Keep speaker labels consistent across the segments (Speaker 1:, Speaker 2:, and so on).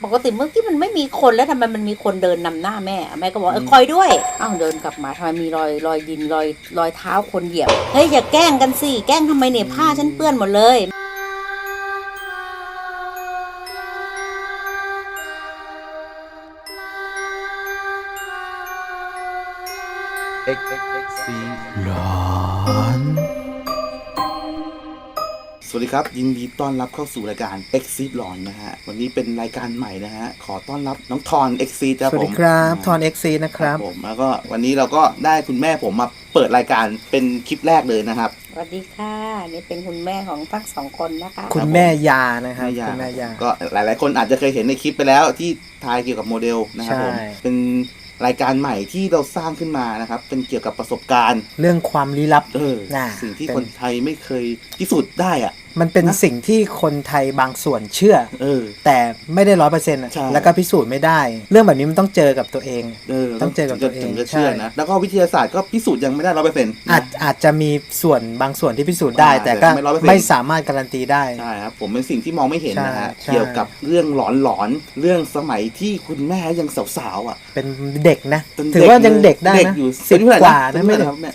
Speaker 1: ปกติเมื่อกี้มันไม่มีคนแล้วทำไมมันมีคนเดินนำหน้าแม่แม่ก็บอกคอยด้วยอ้าวเดินกลับมาทำไมมีรอยดินรอยเท้าคนเหยียบเฮ้ยอย่าแกล้งกันสิแกล้งทำไมเนี่ยผ้าฉันเปื้อนหมดเลย
Speaker 2: หลอน
Speaker 3: สวัสดีครับยินดีต้อนรับเข้าสู่รายการ Exit หลอนนะฮะวันนี้เป็นรายการใหม่นะฮะขอต้อนรับน้องทอน Exit ครับผม
Speaker 2: สวัสดีครับทอน XC นะครับ
Speaker 3: ผมแล้วก็วันนี้เราก็ได้คุณแม่ผมมาเปิดรายการเป็นคลิปแรกเลยนะครับ
Speaker 1: สวัสดีค่ะนี่เป็นคุณแม่ของทั้งสองคนนะคะ
Speaker 2: คุณแม่ยานะครับ
Speaker 3: แม่ยา
Speaker 2: คุณแม่ยา
Speaker 3: ก็หลายๆคนอาจจะเคยเห็นในคลิปไปแล้วที่ทายเกี่ยวกับโมเดลนะครับผม
Speaker 2: ใช่
Speaker 3: เป็นรายการใหม่ที่เราสร้างขึ้นมานะครับเป็นเกี่ยวกับประสบการณ์
Speaker 2: เรื่องความลี้ลับ น่ะ
Speaker 3: สิ่งที่
Speaker 2: เป็น
Speaker 3: คนไทยไม่เคยพิสูจน์ได้อะ
Speaker 2: มันเป็น
Speaker 3: นะ
Speaker 2: สิ่งที่คนไทยบางส่วนเชื่อ แต่ไม่ได้100%
Speaker 3: ใช่
Speaker 2: แล้วก็พิสูจน์ไม่ได้ เรื่องแบบนี้มันต้องเจอกับตัวเอง ต้องเจอกับตัวเอง
Speaker 3: ถึงจะเชื่อนะแล้วก็วิทยาศาสตร์ก็พิสูจน์ยังไม่ได้100%
Speaker 2: อาจจะมีส่วนบางส่วนที่พิสูจน์ได้ แต่ก็
Speaker 3: ไม่ 100%
Speaker 2: ไม่สามารถการันตีได้
Speaker 3: ใช่ครับผมเป็นสิ่งที่มองไม่เห็นนะฮะ
Speaker 2: ใช่
Speaker 3: เกี่ยวกับเรื่องหลอนๆเรื่องสมัยที่คุณแม่ยังสาวๆอ่ะ
Speaker 2: เป็นเด็กนะ
Speaker 3: เป็น
Speaker 2: ถือว่ายังเด็กได้
Speaker 3: เด็ก
Speaker 2: นะ
Speaker 3: อยู่
Speaker 2: สิบ
Speaker 3: เป็นเท่าไหร่
Speaker 2: กว่า
Speaker 3: เป็
Speaker 2: นะ
Speaker 3: น
Speaker 2: ไม่
Speaker 3: เท่าไหร่
Speaker 2: ได้
Speaker 3: ครับแม่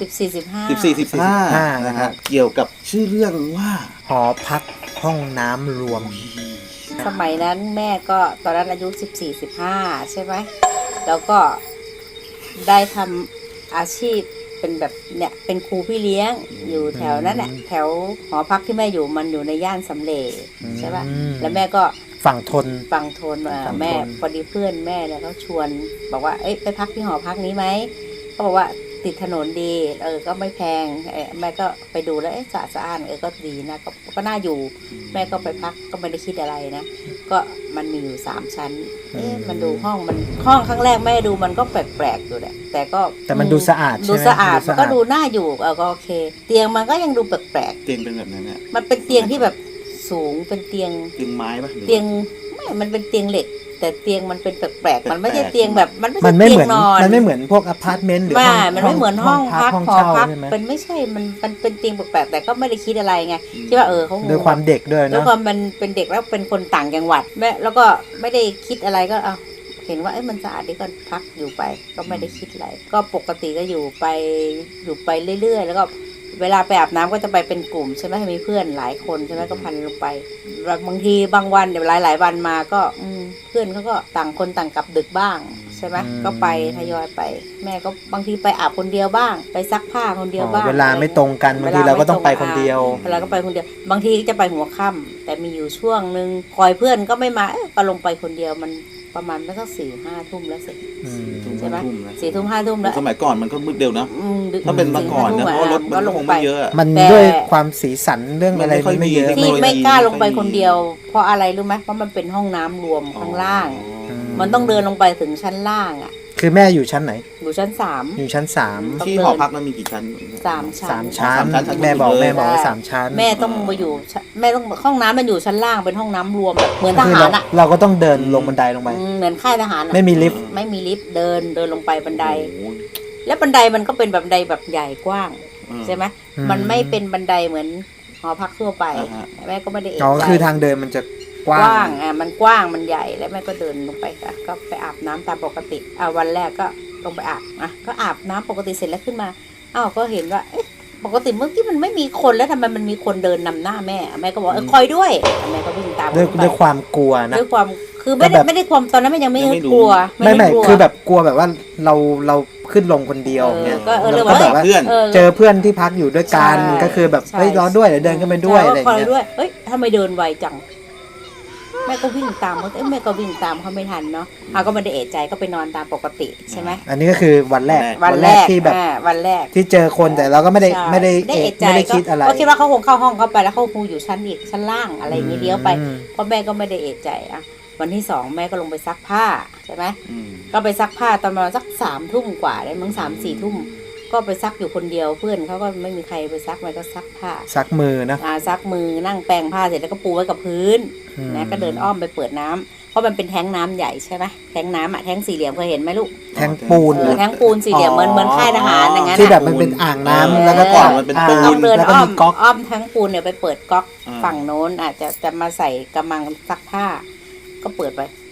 Speaker 1: 14-15
Speaker 3: นะฮะเกี่ยวกับชื่อเรื่องว่า
Speaker 2: หอพักห้องน้ำรวม
Speaker 1: สมัยนั้นแม่ก็ตอนนั้นอายุ14-15ใช่ไหมแล้วก็ได้ทำอาชีพเป็นแบบเนี่ยเป็นครูพี่เลี้ยงอยู่แถวนั้นแหละแถวหอพักที่แม่อยู่มันอยู่ในย่านสำเร็จใช่ป่ะ
Speaker 2: อืม
Speaker 1: แล้วแม่ก็
Speaker 2: ฝั่งทน
Speaker 1: ฟังโทน
Speaker 2: ฟังโทน
Speaker 1: แม่พอดีเพื่อนแม่เนี่ยเขาชวนบอกว่าเอ้ยไปพักที่หอพักนี้ไหมก็บอกว่าติดถนนดีก็ไม่แพงแม่ก็ไปดูแล้วสะอาดก็ดีนะก็น่าอยู่แม่ก็ไปพักก็ไม่ได้คิดอะไรนะก็มันมีอยู่3 ชั้นมันดูห้องครั้งแรกแม่ดูมันก็แปลกๆอยู่แหละแต่
Speaker 2: มันดูสะอาดใช่ไหม
Speaker 1: ดูสะอาด
Speaker 2: ดู
Speaker 1: มัน
Speaker 2: สะอาด
Speaker 1: ก็ดูน่าอยู่ก็โอเค เตียงมันก็ยังดูแปลก
Speaker 3: เตียงเป็นแบบนั้นเนี่ย
Speaker 1: ๆมันเป็นเตียงที่แบบสูงเป็นเตียง
Speaker 3: เตียงไม้ปะหรือ
Speaker 1: เตียงไม่มันเป็นเตียงเหล็ก แต่เตียงมันเป็นแปลกๆมันไม่ใช่
Speaker 3: แปลกๆ
Speaker 1: เตียงแบบมันไม่
Speaker 2: มั
Speaker 1: ใช่
Speaker 2: นไม่
Speaker 1: เตีย
Speaker 2: เหมือน
Speaker 1: งนอน
Speaker 2: มันไม่เหมือนพวกอพาร์ตเมนต์หรือ
Speaker 1: ไม่
Speaker 2: ห้อง
Speaker 1: มันไม่เหมือนห้องพัก
Speaker 2: ห้อง
Speaker 1: หอ
Speaker 2: เช่า
Speaker 1: พัก
Speaker 2: ใช่ไหม
Speaker 1: เป็นไม่ใช่มันเป็นเตียงแปลกๆแต่ก็ไม่ได้คิดอะไรไงคิดว่าเขาคง
Speaker 2: ด้วยความเด็กด้วย
Speaker 1: ด้วย
Speaker 2: เนาะ
Speaker 1: ความมันเป็นเด็กแล้วเป็นคนต่างจังหวัดแม่แล้วก็ไม่ได้คิดอะไรก็เห็นว่ามันสะอาดดีก็พักอยู่ไปก็ไม่ได้คิดอะไรก็ปกติก็อยู่ไปเรื่อยๆแล้วก็เวลาไปอาบน้ำก็จะไปเป็นกลุ่มใช่ไหมมีเพื่อนหลายคนใช่ไหมก็พันลงไปบางทีบางวันเดี๋ยวหลายวันมาก็เพื่อนเขาก็ต่างคนต่างกลับดึกบ้างใช่ไหมก็ไปทยอยไป แม่ก็บางทีไปอาบคนเดียวบ้างไปซักผ้าคนเดียวบ้าง
Speaker 2: เวลาไม่ตรงกันบางทีเราก็ต้องไปคนเดียว
Speaker 1: เวลาก็ไปคนเดียวบางทีจะไปหัวค่ำแต่มีอยู่ช่วงนึงคอยเพื่อนก็ไม่มาก็ลงไปคนเดียวมันประมาณไม่สัก4-5 ทุ่มแล้วเสร็จ ใช่ไหม 4-5 ทุ่มแล้ว
Speaker 3: สมัยก่อนมันก็มืดเร็วนะ
Speaker 1: ดึก
Speaker 3: ถ้าเป็นเมื่อก่อนนะเพราะว่ารถมันก็คงไม่เยอะอะ
Speaker 2: มัน
Speaker 1: แต่
Speaker 2: ด้วยความสีสันเรื่องอะไร
Speaker 3: มันไม่ค่อย
Speaker 2: ไม่เยอะ
Speaker 3: มี
Speaker 1: ที่
Speaker 3: เทคโนโลยี
Speaker 1: ไม่กล้าลงไปคนเดียว เพราะอะไรรู้ไหมเพราะมันเป็นห้องน้ำรวมข้างล่าง มันต้องเดินลงไปถึงชั้นล่างอ่ะ
Speaker 2: คือแม่อยู่ชั้นไหน
Speaker 1: อยู่ชั้น3
Speaker 2: อยู่ชั้นสาม
Speaker 3: ที่หอพักมันมีกี่ชั้น
Speaker 1: 3 ชั้น
Speaker 2: สามชั้น
Speaker 3: สามชั้น
Speaker 2: แม่บอก
Speaker 3: เลย
Speaker 2: แม่บอก
Speaker 1: ใช่
Speaker 2: ว่า3 ชั้น
Speaker 1: แม่ต้องมาอยู่แม่ต้องห้องน้ำมันอยู่ชั้นล่างเป็นห้องน้ำรวมแบบเหมือนท
Speaker 2: คือ
Speaker 1: หารอ่ะ
Speaker 2: เราก็ต้องเดินลงบันไดลงไป
Speaker 1: เหมือนค่ายทหารอะ
Speaker 2: ไม่มีลิฟต์
Speaker 1: ไม่มีลิฟต์เดินลงไปบันได
Speaker 3: โอ้โห
Speaker 1: แล้วบันไดมันก็เป็นแบบบันไดแบบใหญ่กว้าง ใช่ไหม
Speaker 2: อืม
Speaker 1: มันไม่เป็นบันไดเหมือนหอพักทั่วไป
Speaker 3: อ่าฮะ
Speaker 1: แม่ก็ไม่ได้เอะ
Speaker 2: อ๋อ
Speaker 1: ใจ
Speaker 2: คือทางเดินมันจะก
Speaker 1: ก
Speaker 2: ว้า
Speaker 1: ว้าง งมันกว้างมันใหญ่แล้วแม่ก็เดินลงไปค่ะก็ไปอาบน้ำตามปกติวันแรกก็ลงไปอาบก็อาบน้ำปกติเสร็จแล้วขึ้นมาก็เห็นว่าปกติเมื่อกี้มันไม่มีคนแล้วทำไมมันมีคนเดินนำหน้าแม่ก็บอกคอยด้วยแม่ก็วิ่งตาม
Speaker 2: ด้วยความกลัวนะ
Speaker 1: ด้วยความคือไม่
Speaker 2: แต่แบบ
Speaker 1: ได้ความตอนนั้นมันยังไม่
Speaker 3: ยังไม่รู้
Speaker 1: กลัว
Speaker 2: ไม่
Speaker 1: ด้กลัว
Speaker 2: คือแบบกลัวแบบว่าเราขึ้นลงคนเดียวเนี่ย
Speaker 1: ก็
Speaker 2: แล้ว
Speaker 1: เลย
Speaker 2: ก็
Speaker 1: ว่า
Speaker 2: แบบว่า
Speaker 3: เพื่อน
Speaker 2: เจอเพื่อนที่พักอยู่ด้วยกัน
Speaker 1: ใช่
Speaker 2: ก็คือแบบ
Speaker 1: ใช่
Speaker 2: เฮ้ยรอด้วยเดี๋ยวเดินขึ้นไปด้วยอะไรอย่าง
Speaker 1: คอย
Speaker 2: เงี้ย
Speaker 1: ด้วยทำไมเดินไวจังแม่ก็วิ่งตามเขาแม่ก็วิ่งตามเขาไม่ทันเนาะก็ไม่ได้เอะใจก็ไปนอนตามปกติใช่ไหม
Speaker 2: อันนี้ก็คือวันแรก
Speaker 1: วันแรก
Speaker 2: ที่แบบ
Speaker 1: วันแรก
Speaker 2: ที่เจอคนแต่เราก็ไม่ได้
Speaker 1: ใช่
Speaker 2: ไม่ได้
Speaker 1: เอะใจ
Speaker 2: ไม่ได้คิดอะไร
Speaker 1: ก็คิดว่าเขาคงเข้าห้องเขาไปแล้วเขาคงอยู่ชั้นล่างอะไรอย่างเงี้ยเลี้ยวไป
Speaker 2: อืม
Speaker 1: เพราะแม่ก็ไม่ได้เอะใจวันที่2แม่ก็ลงไปซักผ้าใช่ไหม
Speaker 3: อืม
Speaker 1: ก็ไปซักผ้าตอนประมาณสัก3 ทุ่มกว่าได้มั้ง3-4 ทุ่มก็ไปซักอยู่คนเดียวเพื่อนเขาก็ไม่มีใครไปซักแม่ก็ซักผ้า
Speaker 2: ซักมือนะ
Speaker 1: ซักมือนั่งแปรงผ้าเสร็จแล้วก็ปูไว้กับพื้นนะก็เดินอ้อมไปเปิดน้ำเพราะมันเป็นแท้งน้ำใหญ่ใช่ไหมแท้งน้ำแท้งสี่เหลี่ยมเคยเห็นไหมลูก
Speaker 2: แทงปูน
Speaker 1: แท้งปูนสี่เหลี่ยมเหมือนค่ายทหารอย่างนั้น
Speaker 2: ที่แบบมันเป็นอ่างน้ำแล้วก็
Speaker 3: ก่อนมันเป็นปู
Speaker 1: ต้องเดิน
Speaker 2: แล้วก็
Speaker 1: อ้อ
Speaker 2: มี
Speaker 1: ม
Speaker 2: ก๊อก
Speaker 1: อ้อมแท้งปูนเนี่ยไปเปิดก๊อก
Speaker 3: อ่า
Speaker 1: ฝั่งโน้นอาจจะมาใส่กำมังซักผ้า ก็เปิดไป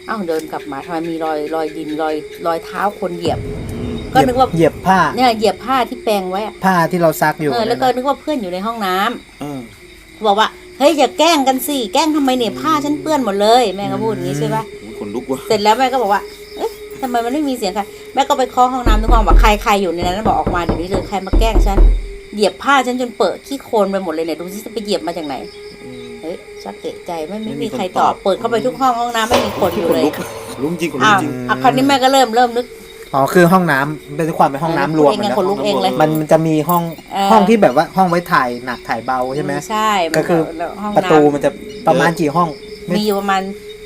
Speaker 1: เอ้าเดินกลับมาทำไมมีรอยดินรอยเท้าคนเหยียบ ก็นึกว่า
Speaker 2: เหยียบผ้า
Speaker 1: เนี่ยเหยียบผ้าที่แปรงไว้อะ
Speaker 2: ผ้าที่เราซักอยู่
Speaker 1: แล้วก็นึกว่าเพื่อนอยู่ในห้องน้ำ
Speaker 3: เออ
Speaker 1: บอกว่าเฮ้ยอย่าแกล้งกันสิแกล้งทำไมเนี่ยผ้าฉันเปื้อนหมดเลยแม่ก็พูดอย่างนี้ใช่ปะ
Speaker 3: โอ้ยขนลุกว่ะ
Speaker 1: เสร็จแล้วแม่ก็บอกว่าเอ๊ะทำไมมันไม่มีเสียงใครแม่ก็ไปเคาะห้องน้ำทุกห้องบอกใครอยู่ในนั้นบอกออกมาเดี๋ยวนี้เลยใครมาแกล้งฉันเหยียบผ้าฉันจนเปิดขี้โคลนไปหมดเลยเนี่ยดูสิจะไปเหยียบมาจากไหนเฮ้ยชักเอะใจไม่มีใครตอบเปิดเข้าไปทุกห้องน้ำไม่มีคนอยู่เลย
Speaker 3: ขนลุกจริงขนลุ
Speaker 1: อ้าก ว
Speaker 3: จริง
Speaker 1: คราวนี้แม่ก็เริ่มนึก
Speaker 2: อ๋อคือห้องน้ำเป็นความเป็นห้องน้ำรวม
Speaker 1: เองไง
Speaker 2: นะ
Speaker 1: ขนลุกเองเลย
Speaker 2: มันจะมีห้อง ห้องที่แบบว่าห้องไว้ถ่ายหนักถ่ายเบาใช่ไหม
Speaker 1: ใช่
Speaker 2: ก็คือ
Speaker 1: แล้วห้อง
Speaker 2: ประ
Speaker 1: น้
Speaker 2: ตูมันจะประมาณกี่ห้อง
Speaker 1: ำมีอยู่ประมาณ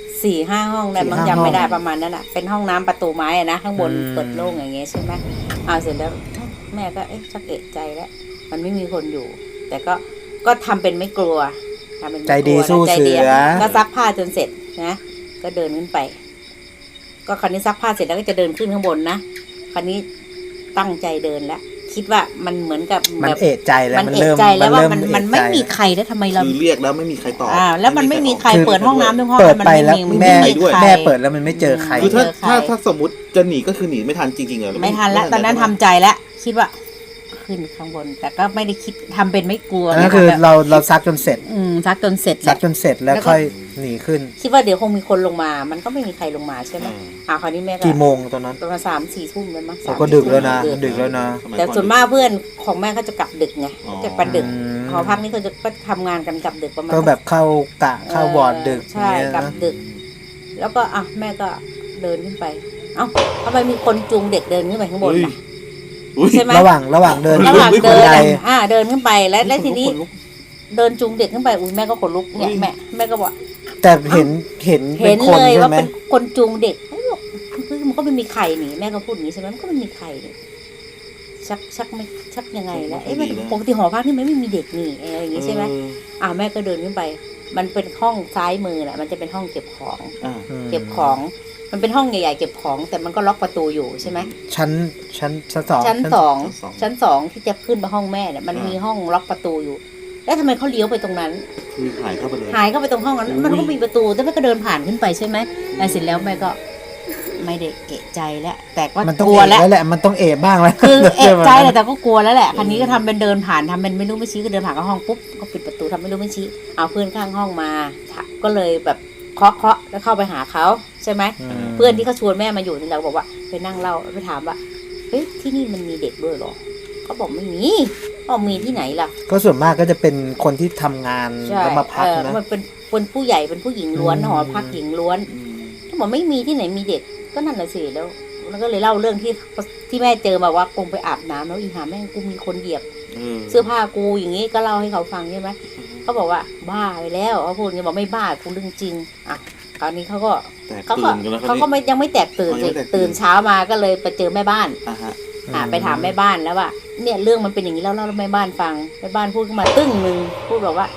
Speaker 1: 4-5 ห้องได้บาง
Speaker 2: 4-5
Speaker 1: จำไม่ได้
Speaker 2: ห้อง
Speaker 1: ประมาณนั้นอ่ะเป็นห้องน้ำประตูไม้อะนะข้างบน
Speaker 2: อืม
Speaker 1: เปิดโล่งอย่างเงี้ยใช่ไหมเอาเสร็จแล้วแม่ก็ชักเอะใจแล้วมันไม่มีคนอยู่ แต่ก็ทำเป็นไม่กลัวทำเป็นไม่กลัว
Speaker 2: ใจดีสู้
Speaker 1: ใจ
Speaker 2: เสือ
Speaker 1: ก็ซักผ้าจนเสร็จนะก็เดินขึ้นไป ก็คราวนี้ซักผ้าเสร็จแล้วก็จะเดินขึ้นข้างบนนะคราวนี้ตั้งใจเดินแล้วคิดว่ามันเหมือนกับ
Speaker 2: มัน
Speaker 1: แบบ
Speaker 2: เอะใจแล้ว
Speaker 1: มัน
Speaker 2: มัน
Speaker 1: เอะ
Speaker 2: เริ่ม
Speaker 1: ใจแล้วว่า
Speaker 2: เริ่
Speaker 1: มันไม่มีใครแล้วทำไมเรา
Speaker 3: คือเรียกแล้วไม่มีใครตอบ
Speaker 1: แล้วมันไม่มีใครเปิดห้องน้ำทุกห้อง
Speaker 2: เปิดไป
Speaker 1: มัน
Speaker 2: แล้ว
Speaker 1: ไม่
Speaker 2: แม่
Speaker 1: มีใคร
Speaker 2: แม่เปิดแล้วมันไม่เจอใคร
Speaker 3: คือถ้า
Speaker 1: เจอใคร
Speaker 3: ถ้าสมมติจะหนีก็คือหนีไม่ทันจริงๆเหรอ
Speaker 1: ไม่ทันแล้วตอนนั้นทำใจแล้วคิดว่าขึ้นข้างบน แต่ก็ไม่ได้คิดทำเป็นไม่กลัว
Speaker 2: อันนั้นคือ
Speaker 1: แบบ
Speaker 2: เราซักจนเสร็จ
Speaker 1: ซักจนเสร็จ
Speaker 2: ซักจนเสร็จแล้ว
Speaker 1: แล้วก็
Speaker 2: ค่อยหนีขึ้น
Speaker 1: คิดว่าเดี๋ยวคงมีคนลงมา มันก็ไม่มีใครลงมาใช่ไหมคราวนี้แม่ก็
Speaker 2: กี่โมงตอนนั้น
Speaker 1: ประมาณ3-4 ทุ่มแล้วมั้ง
Speaker 2: เราก็ดึกแล้วนะ
Speaker 1: ดึก
Speaker 2: ดึกแล้วนะ
Speaker 1: แต่ส่วนมากเพื่อนของแม่เขาจะกลับดึกไงจะไปดึก
Speaker 2: อืม
Speaker 1: หอพักนี้เขาจะก็ทำงานกันกลับดึกประมาณ
Speaker 2: ก็แบบเข้ากะเข้าบอร์ดดึก
Speaker 1: ใช่
Speaker 2: เงี้ย
Speaker 1: กลับ
Speaker 2: นะ
Speaker 1: ดึก แล้วก็แม่ก็เดินขึ้นไป เอ้าทำไมมีคนจูงเด็กเดินขึ้นไปข้างบนล่ะ ใช่ไหม
Speaker 2: ระหว่างเดิน
Speaker 1: ระหว่าง
Speaker 2: ขึ้น
Speaker 1: เดิ
Speaker 2: บั
Speaker 1: น
Speaker 2: นได
Speaker 1: เดินขึ้นไปแล้วทีนี้เดินจูงเด็กขึ้นไปอุ้ยแม่ก็ขนลุกเนี่ยแม่ก็บอก
Speaker 2: แต่เห็นเป็
Speaker 1: เห็
Speaker 2: น
Speaker 1: น
Speaker 2: คน
Speaker 1: เลย
Speaker 2: ใช่
Speaker 1: ว่า
Speaker 2: ไหม
Speaker 1: เป็นคนจูงเด็กเฮ้ยบอกมันก็ไม่มีใครนี่แม่ก็พูดอย่างนี้ใช่ไหมมันก็ไม่มีใครนี่ชักยังไงแล้วมันปกติหอพักนี่มันไม่มีเด็กนี่อะไรอย่างนี้ใช่ไหมแม่ก็เดินขึ้นไป มันเป็นห้องซ้ายมือแหละมันจะเป็นห้องเก็บของ เก็บของ มันเป็นห้องใหญ่ๆเก็บของ แต่มันก็ล็อกประตูอยู่ใช่ไหม
Speaker 2: ชั้นสอง
Speaker 1: ชั้นสองที่จะขึ้นไปห้องแม่เนี่ยมันมีห้องล็อกประตูอยู่ แล้วทำไมเขาเลี้ยวไปตรงนั้น
Speaker 3: คือหายเข้าไปเลย
Speaker 1: หายเข้าไปตรงห้องนั้นมันก็มีประตูแต่แม่ก็เดินผ่านขึ้นไปใช่ไหมเสร็จแล้วแม่ก็ไม่ได้เอะใจแล้วแต่ก็
Speaker 2: มันต้อง
Speaker 1: กลัว
Speaker 2: เอะ
Speaker 1: แล้ว
Speaker 2: แล้วแหละมันต้องเอะบ้างแล้ว
Speaker 1: คือเอะใจแหละแต่ก็กลัวแล้วแหละคันนี้ก็ทำเป็นเดินผ่านทำเป็นไม่รู้ไม่ชี้ก็เดินผ่านเข้าห้องปุ๊บก็ปิดประตูทำไม่รู้ไม่ชี้เอาเพื่อนข้างห้องมาก็เลยแบบเคาะแล้วเข้าไปหาเขาใช่ไหม เพื่อนที่เขาชวนแม่มาอยู่นี่เราบอกว่าไปนั่งเล่าไปถามว่าเฮ้ยที่นี่มันมีเด็กด้วยเหรอเขาบอกไม่มีบอกมีที่ไหนล่ะ
Speaker 2: ก็ส่วนมากก็จะเป็นคนที่ทำงาน
Speaker 1: ใช่
Speaker 2: แล้วมาพักนะ
Speaker 1: มันเป็นคนผู้ใหญ่เป็นผู้หญิงล้วน
Speaker 2: อืม
Speaker 1: หอพักหญิงล้วนเขาบอกไม่มีที่ไหนมีเด็กก็นั่นแหละสิแล้วก็เลยเล่าเรื่องที่แม่เจอมาว่าคงไปอาบน้ำแล้วอีหาแม่งกูมีคนเหยียบเสื้อผ้ากูอย่างนี้ก็เล่าให้เขาฟังใช่ไหมเขาบอกว่าบ้าไปแล้วเขาพูดอย่างนี้บอกไม่บ้ากูเรื่องจริงคราวนี้เขาก็ยังไม่แตกตื่นสิตื่นเช้ามาก็เลยไปเจอแม่บ้านไปถามแม่บ้านแล้วว่าเนี่ยเรื่องมันเป็นอย่างนี้แล้วเล่าแม่บ้านฟังแม่บ้านพูดขึ้นมาตึ้งนึงพูดบอกว่า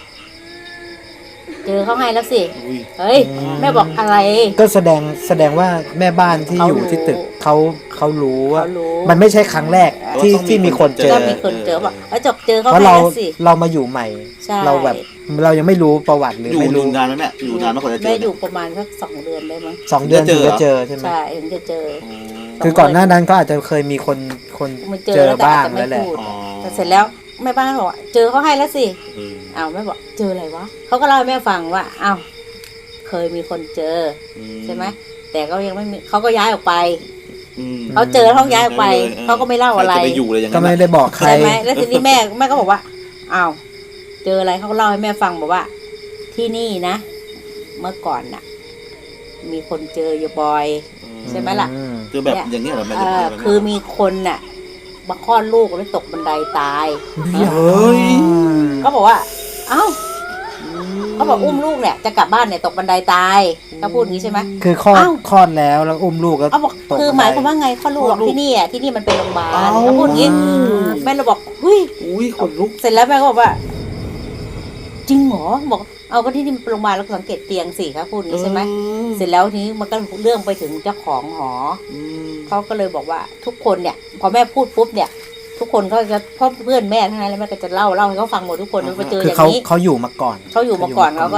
Speaker 1: เจอเขาให้แล้วสิเฮ้ยแม่บอกอะไร
Speaker 2: ก็แสดงว่าแม่บ้านที่อยู่ที่ตึกเขารู้ว่า
Speaker 1: เขารู้
Speaker 2: มันไม่ใช่ครั้งแรกที่มีคนเจอ
Speaker 1: ก็มีคนเจอบอกแล้วเจอเขา
Speaker 2: เพราะ
Speaker 1: ให้
Speaker 2: เรา
Speaker 1: แล้วสิ
Speaker 2: เรามาอยู่ใหม่
Speaker 1: ใช่
Speaker 2: เราแบบเรายังไม่รู้ประวัติหรือ
Speaker 3: อยู่
Speaker 2: ไม่รู้
Speaker 3: นานไหมแม่อยู่นานมากกว่าจะเจอ
Speaker 1: แม่อยู่ประมาณสัก2 เดือนได้มั้ง
Speaker 2: 2 เดือนถึงจะเจอใช่ไหม
Speaker 1: ใช่ถึงจะเจอ
Speaker 2: คือก่อนหน้านั้นก็อาจจะเคยมีคน
Speaker 1: มัน
Speaker 2: เจอบ้าง
Speaker 1: แต่
Speaker 2: แล้วแหละ
Speaker 1: พูดแต่เสร็จแล้วแม่บ้านบอกว่าเจอเขาให้แล้วสิแม่บอกเจออะไรวะเขาก็เล่าให้แม่ฟังว่าเคยมีคนเจอใช่ไหมแต่ก็ยังไม่มีเขาก็ย้ายออกไปเขาเจอเขาย้ายออกไปเขาก็ไม่เล่าอะไร
Speaker 3: ไปอยู่เลยอย่าง
Speaker 2: ก็
Speaker 3: นั้น
Speaker 2: ไม่ได้บอกใคร
Speaker 1: ใช่ไหมแล้วทีนี้แม่ก็บอกว่าเจออะไรเขาก็เล่าให้แม่ฟังบอกว่า ที่นี่นะ เมื่อก่อนน่ะ มีคนเจออยู่บ่อย ใช่ไหมล่ะ
Speaker 3: คือแบบอย่างนี้เหรอแม่
Speaker 1: คือมีคนน่ะมาคลอดลูกแล้วตกบันไดตาย
Speaker 3: เฮ้ย
Speaker 1: ก็บอกว่าเขาบอกอุ้มลูกเนี่ยจะกลับบ้านเนี่ยตกบันไดตายเขาพูดอย่างนี้ใช่ไหม
Speaker 2: คือคลอดแล้วอุ้มลูกแล้ว
Speaker 1: เขาบอก
Speaker 2: ตก
Speaker 1: คือหมายความว่าไงคลอดลูกบอกที่นี่มันเป็นโรงพยาบาลเขาพูดอย่างนี้แม่เราบอก
Speaker 3: อุ้ยขนลุก
Speaker 1: เสร็จแล้วแม่ก็บอกว่า จริงเหรอบอกก็ที่นี่มันเป็นโรงพยาบาลแล้วก็สังเกตเตียงสิเขาพูดอย่างนี้ใช่ไหมเสร็จแล้วทีนี้มันก็เรื่องไปถึงเจ้าของหอเขาก็เลยบอกว่าทุกคนเนี่ยพอแม่พูดปุ๊บเนี่ย ทุกคนเขาจะพ่อเพื่อนแม่ทั้งนั้นแล้วแม่ก็จะเล่าให้เขาฟังหมดทุกคนไปเจออย่างนี้
Speaker 2: เขาอยู่มาก่อน
Speaker 1: เขาก็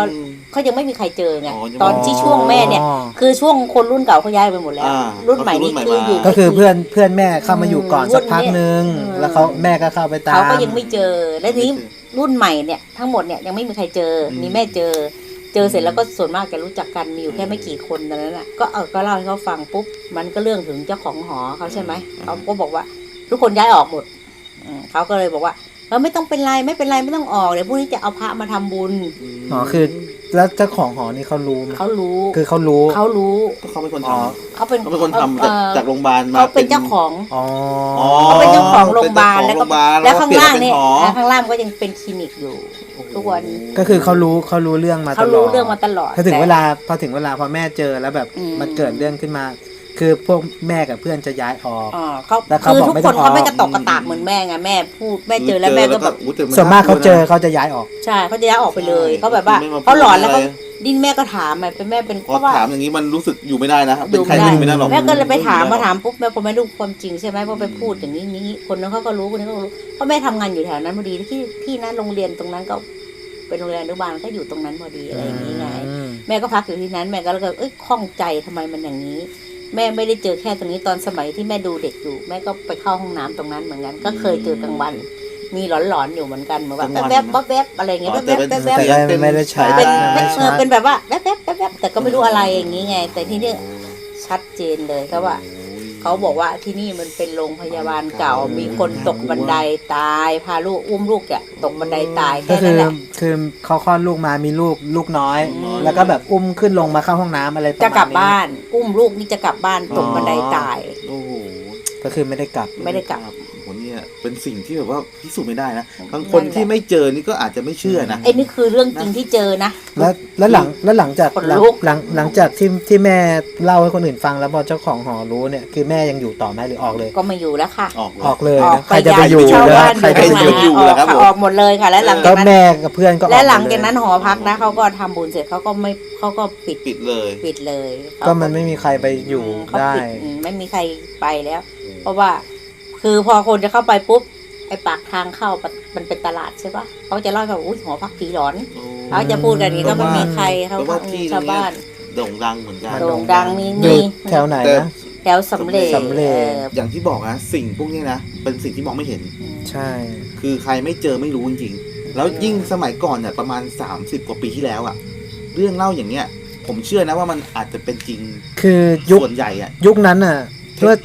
Speaker 1: เขายังไม่มีใครเจอไง
Speaker 3: อ๋อยัง
Speaker 1: ตอนที่ช่วงแม่เนี่ย คือช่วงคนรุ่นเก่าเขาย้ายไปหมดแล้ว
Speaker 3: อ่า
Speaker 1: รุ่นใหม่นี่คืออยู่
Speaker 2: ก็คือเพื่อนแม่เข้ามาอยู่ก่อนสักพักนึง
Speaker 1: อืม
Speaker 2: แล้วเขาแม่ก็เข้าไปตาม
Speaker 1: เขาก็ยังไม่เจอและทีนี้รุ่นใหม่เนี่ยทั้งหมดเนี่ยยังไม่มีใครเจอมีแม่เจอเสร็จแล้วก็ส่วนมากจะรู้จักกันมีอยู่แค่ไม่กี่คนตอนนั้นน่ะก็เล่าให้เขาฟังปุ๊บมันก็เรื่องถึงเจ้าของหอเขาใช่ไหมเขาก็บอกว่า ทุกคนย้ายออกหมดเขาก็เลยบอกว่าไม่ต้องเป็นไรไม่เป็นไรไม่ต้องออกเดี๋ยวพรุ่งนี้จะเอาพระมาทำบุญ
Speaker 2: อ๋อคือแล้วเจ้าของหอนี่เขารู้ไหม
Speaker 1: เขารู้
Speaker 2: คือเขารู้
Speaker 3: ก็เขาเป็นคนท
Speaker 1: เขาเป็น
Speaker 3: ำเขาเป็นคนทำจากโรงพยาบาลมา
Speaker 1: เขาเป็นเจ้าของ
Speaker 2: อ๋อ
Speaker 1: เขาเป็นเจ้าของโรงพยาบาล
Speaker 3: เป็น
Speaker 1: แล้ว
Speaker 3: เจ้าของโรงพยาบาล
Speaker 1: แล้วข้างล่างเนี่ย
Speaker 3: แล้วก็เปลี่ยนเป็นหอ
Speaker 1: ข้างล่างก็ยังเป็นคลินิกอยู่ทุกวัน
Speaker 2: ก็คือเขารู้เรื่องมาต
Speaker 1: เขา
Speaker 2: ลอ
Speaker 1: รู้
Speaker 2: ด
Speaker 1: เรื่องมาตลอด
Speaker 2: พอถึงเวลาพอแม่เจอแล้วแบบ
Speaker 1: อืม
Speaker 2: มันเกิดเรื่องขึ้นมา คือพวกแม่กับเพื่อนจะย้ายออก
Speaker 1: เขา
Speaker 2: แล้วเขา
Speaker 1: คือ
Speaker 2: บอก
Speaker 1: ทุก
Speaker 2: ไม่
Speaker 1: ค
Speaker 2: ต้อน งออก
Speaker 1: เขาไม่กระตอกกระตากเหมือนแม่ไงแม่พูดแม่เจอแล้วแม่ก็แบบ
Speaker 3: อุ๊ยแต่
Speaker 2: ส่วนมากเขาเจอเขาจะย้ายออก
Speaker 1: ใช่เขาจะย้ายออกไปเลยเขาแบบว่า
Speaker 3: ไม่มพูด
Speaker 1: เขาหลอนแล้วเขา
Speaker 3: ะไร
Speaker 1: ดิ้นแม่ก็ถามเป็นแม่เป็น
Speaker 3: พ
Speaker 1: เพ
Speaker 3: อ
Speaker 1: ราะว่า
Speaker 3: ถามอย่างนี้มันรู้สึกอยู่ไม่ได้นะ
Speaker 1: อ
Speaker 3: เป็น
Speaker 1: ยู่
Speaker 3: ใคร
Speaker 1: ไม่
Speaker 3: ก็
Speaker 1: ได้
Speaker 3: อยู่ไม่ได้หรอก
Speaker 1: แม่ก็เลยไปถามปุ๊บแม่พอแม่รู้ความจริงใช่ไหมพอไปพูดอย่างนี้คนนั้นเขาก็รู้คนนี้เขาก็รู้เพราะแม่ทำงานอยู่แถวนั้นพอดีที่นั้นโรงเรียนตรงนั้นก็เป็นโรงเรียนอนุบาลก็อยู่ตรงนั้นพอดีอะไรอย่างนี้ไง แม่ก็พักอยู่ที่นั้นแม่ก็เลยข้องใจทำไมมันอย่างนี้ แม่ไม่ได้เจอแค่ตรงนี้ตอนสมัยที่แม่ดูเด็กอยู่แม่ก็ไปเข้าห้องน้ำตรงนั้นเหมือนกันก็เคยเจอกลางวัน มีหลอนๆอยู่เหมือนกันเหมือนแบบแวบๆแวบๆอะไรอย่างเงี้ยแวบๆแวบๆ
Speaker 2: แต่ไม่ได้ใช้
Speaker 1: เป็น
Speaker 2: ไม่ใช่
Speaker 1: เป็นแบบว่าแวบๆแวบๆแต่ก็ไม่รู้อะไรอย่างนี้ไง แต่ที่นี่ชัดเจนเลยก็ว่า เขาบอกว่าที่นี่มันเป็นโรงพยาบาลเก่า มีคนตกบันไดตายพาลูกอุ้มลูกอ่ะตกบันไดตาย
Speaker 2: ก็
Speaker 1: แค่นั้นแหละ
Speaker 2: คือเขาคลอดลูกมามีลูกน้อย
Speaker 1: อืม
Speaker 2: แล้วก็แบบอุ้มขึ้นลงมาเข้าห้องน้ำอะไรประมาณ
Speaker 1: จะ
Speaker 2: นี้
Speaker 1: กลับบ้าน อุ้มลูกนี่จะกลับบ้านตกบันไดตาย
Speaker 3: โอ้โห
Speaker 2: ก็คือไม่ได้กลับ
Speaker 1: ไม่ได้กลับ
Speaker 3: โหเนี่ยเป็นสิ่งที่แบบว่าพิสูจน์ไม่ได้นะบางคนที่ไม่เจอนี่ก็อาจจะไม่เชื่อนะ
Speaker 1: ไอ้นี่คือเรื่องจริงที่เจอนะ
Speaker 2: แล้วหลังจาก
Speaker 1: ขนลุก
Speaker 2: หลังจากที่แม่เล่าให้คนอื่นฟังแล้วพอเจ้าของหอรู้เนี่ยคือแม่ยังอยู่ต่อไหมหรือออกเลย
Speaker 1: ก็มาอยู่แล้วค่ะ
Speaker 3: ออกเลย
Speaker 2: ออกเลย
Speaker 1: ออก
Speaker 2: นะ
Speaker 1: ไป
Speaker 2: ใครจะไปอยู่
Speaker 1: ย้ายไปเช่า
Speaker 2: แล้ว
Speaker 1: บ้าน
Speaker 2: ใครจะไปอยู่
Speaker 1: ออก
Speaker 3: ครับผม
Speaker 1: ออกหมดเลยค่ะ และหลัง
Speaker 2: ก็
Speaker 1: จากนั้น
Speaker 2: แม่กับเพื่อนก็ออก
Speaker 1: และหลัง
Speaker 2: มดเย
Speaker 1: จากนั้นหอพักนะเขาก็ทำบุญเสร็จเขาก็ปิด
Speaker 3: ปิดเลย
Speaker 1: เลย
Speaker 2: ก็มันไม่มีใครไปอยู่
Speaker 1: เขา
Speaker 2: ได้
Speaker 1: ปิไม่มีใครไปแล้ว เพราะว่าคือพอคนจะเข้าไปปุ๊บไอ้ปากทางเข้ามันเป็นตลาดใช่ปะเขาจะเล่าแบบอุ้ยหอพักผีหลอนเขาจะพูดกันอย่างนี้ก็ไม่มีใครเขา
Speaker 3: แปลว่าที่ตร
Speaker 1: ชาง ว
Speaker 3: เนี้ย
Speaker 1: บ้าน
Speaker 3: โด่งดังเหมือนกัน
Speaker 1: โด่งดังมี
Speaker 2: อยู่แถวไหนนะ
Speaker 1: แถวสำเร็จ
Speaker 2: สำเร็จ
Speaker 3: อย่างที่บอกนะสิ่งพวกนี้นะเป็นสิ่งที่มองไม่เห็น
Speaker 2: ใช่
Speaker 3: คือใครไม่เจอไม่รู้จริงๆแล้วยิ่งสมัยก่อนเนี่ยประมาณ30 กว่าปีที่แล้วอะเรื่องเล่าอย่างเนี้ย ผมเชื่อนะว่ามันอาจจะเป็นจริง
Speaker 2: คือยุค
Speaker 3: ส่วนใหญ่อะ
Speaker 2: ยุคนั้นอ่ะเมื่อ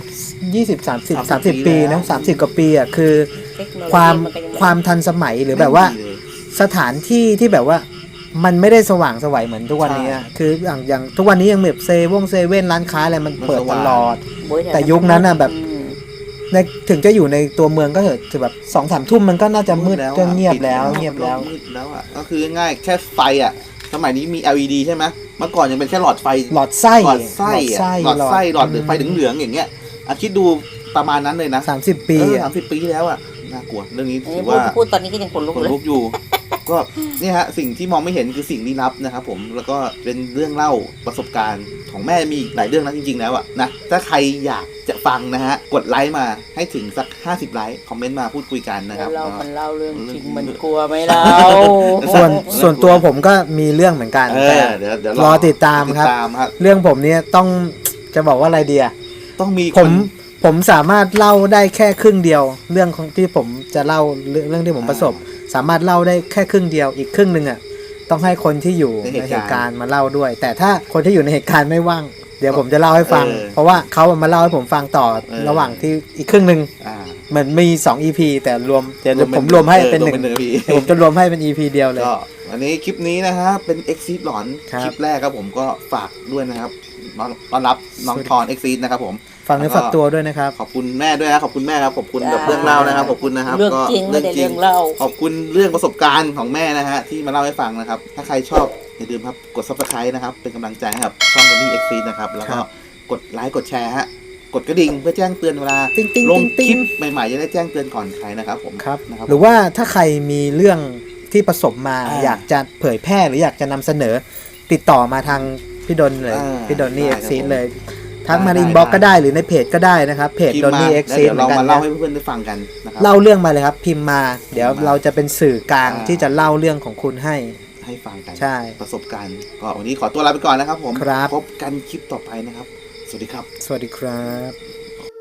Speaker 2: 30 ปีนะ30 กว่าปีอ่ะคือ
Speaker 1: เทคโนโลยี
Speaker 2: ความ
Speaker 1: นก็ยังไ
Speaker 2: ความทันสมัยหรือแบบว่า
Speaker 3: ไม่มีเลย
Speaker 2: สถานที่ที่แบบว่ามันไม่ได้สว่างไสวัยเหมือนทุกวันนี้อะคืออย่างทุกวันนี้ยังแบบเซเว่นร้านค้าอะไรมันเปิดตลอด
Speaker 1: โอ้ย
Speaker 2: แต่ยุคนั้นน่ะแบบ
Speaker 1: อืม
Speaker 2: ในถึงจะอยู่ในตัวเมืองก็เถอะแต่แบบ2-3 ทุ่มมันก็น่าจะมืด
Speaker 3: อะ
Speaker 2: ก็เงียบแล้ว
Speaker 3: ปิด
Speaker 2: เงียบแล้ว
Speaker 3: มืดแล้วอะก็คือง่ายๆแค่ไฟอะสมัยนี้มี LED ใช่ไหมเมื่อก่อนยังเป็นแค่หลอดไฟ
Speaker 2: หลอดไส้
Speaker 3: หลอดไส้หลอดหรือไฟเหลืองๆอย่างเงี้ยคิดดูประมาณนั้นเลยนะ
Speaker 2: 30 ปี
Speaker 3: 30 ปีที่แล้วอะน่ากลัวเรื่องนี้
Speaker 1: อัน
Speaker 3: ถื
Speaker 1: นี้
Speaker 3: อว่า
Speaker 1: พูดตอนนี้ก็ยังขนลุก
Speaker 3: ขน
Speaker 1: เลย
Speaker 3: ลุกอยู่ ก็เนี่ยฮะสิ่งที่มองไม่เห็นคือสิ่งลี้ลับนะครับผมแล้วก็เป็นเรื่องเล่าประสบการณ์ของแม่มีอีกหลายเรื่องนะจริงๆแล้วอะนะถ้าใครอยากจะฟังนะฮะกดไลค์มาให้ถึงสัก50 ไลค์คอมเมนต์มาพูดคุยกันนะครับ
Speaker 1: มันเล่าเรื่องจริงมันกลัวไหมเรา
Speaker 2: ส่วนตัวผมก็มีเรื่องเหมือนกันแต่
Speaker 3: เดี๋ยว
Speaker 2: รอติดตามครับ เรื่องผมเนี่ยต้องจะบอกว่าอะไรเดีย
Speaker 3: ต้องมี
Speaker 2: ผมสามารถเล่าได้แค่ครึ่งเดียว เรื่องของที่ผมจะเล่าเรื่องที่ผมประสบ สามารถเล่าได้แค่ครึ่งเดียวอีกครึ่งหนึ่งอ่ะต้องให้คนที่อยู่ในเหตุการณ์มาเล่าด้วย แต่ถ้าคนที่อยู่ในเหตุการณ์ไม่ว่าง เดี๋ยวผมจะเล่าให้ฟัง เพราะว่าเขามาเล่าให้ผมฟังต่อระหว่างที่อีกครึ่งหนึ่งเหมือนมี2 EP แต่รวมเดี๋ยวผมรวมให้เป็น1ผมจะรวมให้เป็น EP เดียวเลย
Speaker 3: ก็วันนี้คลิปนี้นะฮะเป็น Exit หลอนคลิปแรกครับผมก็ฝากด้วยนะครับต้อนรับน้องทอน Exit นะครับผม
Speaker 2: ฟังเนื้อฝากตัวด้วยนะครับ
Speaker 3: ขอบคุณแม่ด้วยนะขอบคุณแม่ครับขอบคุณกับเรื่องเล่านะครับขอบคุณนะครับ
Speaker 1: เรื่องจริงไม่ได้เรื่องเล่า
Speaker 3: ขอบคุณเรื่องประสบการณ์ของแม่นะฮะที่มาเล่าให้ฟังนะครับถ้าใครชอบอย่าลืมครับกด Subscribe นะครับเป็นกำลังใจให้กับช่อง Tony Exit นะครับแล้วก็กดไลค์กดแชร์ฮะกดกระดิ่งเพื่อแจ้งเตือนเวลา
Speaker 2: ติ๊งติ๊ง
Speaker 3: ลง
Speaker 2: ติ๊ง
Speaker 3: คลิ
Speaker 2: ติ๊
Speaker 3: ป
Speaker 2: ง
Speaker 3: ใหม่ๆจะได้แจ้งเตือนก่อนใครนะครับผม
Speaker 2: ครับ
Speaker 3: นะครับ
Speaker 2: หรือว่าถ้าใครมีเรื่องที่ประสบมา อยากจะเผยแพร่หรืออยากจะนำเสนอติดต่อมาทางพี่ดนเลยพี่ดนนี่ Exit เลยทักมาในอินบ็อกก็ได้หรือในเพจก็ได้นะครับเพจ
Speaker 3: พิม
Speaker 2: ด
Speaker 3: พ์
Speaker 2: น
Speaker 3: มา
Speaker 2: นี่
Speaker 3: แล้ว
Speaker 2: Exit
Speaker 3: เดี๋ยว
Speaker 2: เหมือ
Speaker 3: เรา
Speaker 2: นกัน
Speaker 3: มาเล่า
Speaker 2: นะ
Speaker 3: ให้เพื่อนๆได้ฟังกันนะครับ
Speaker 2: เล่าเรื่องมาเลยครับพิมพ์มาเดี๋ยว
Speaker 3: พิมพ์มา
Speaker 2: เราจะเป็นสื่อกลางที่จะเล่าเรื่องของคุณให้
Speaker 3: ให้ฟังกัน
Speaker 2: ใช่
Speaker 3: ประสบการณ์ก็วันนี้ขอตัวลาไปก่อนนะครับผม
Speaker 2: ครับ
Speaker 3: พบกันคลิปต่อไปนะครับ สวัสดีครับ
Speaker 2: สวัสดีครับ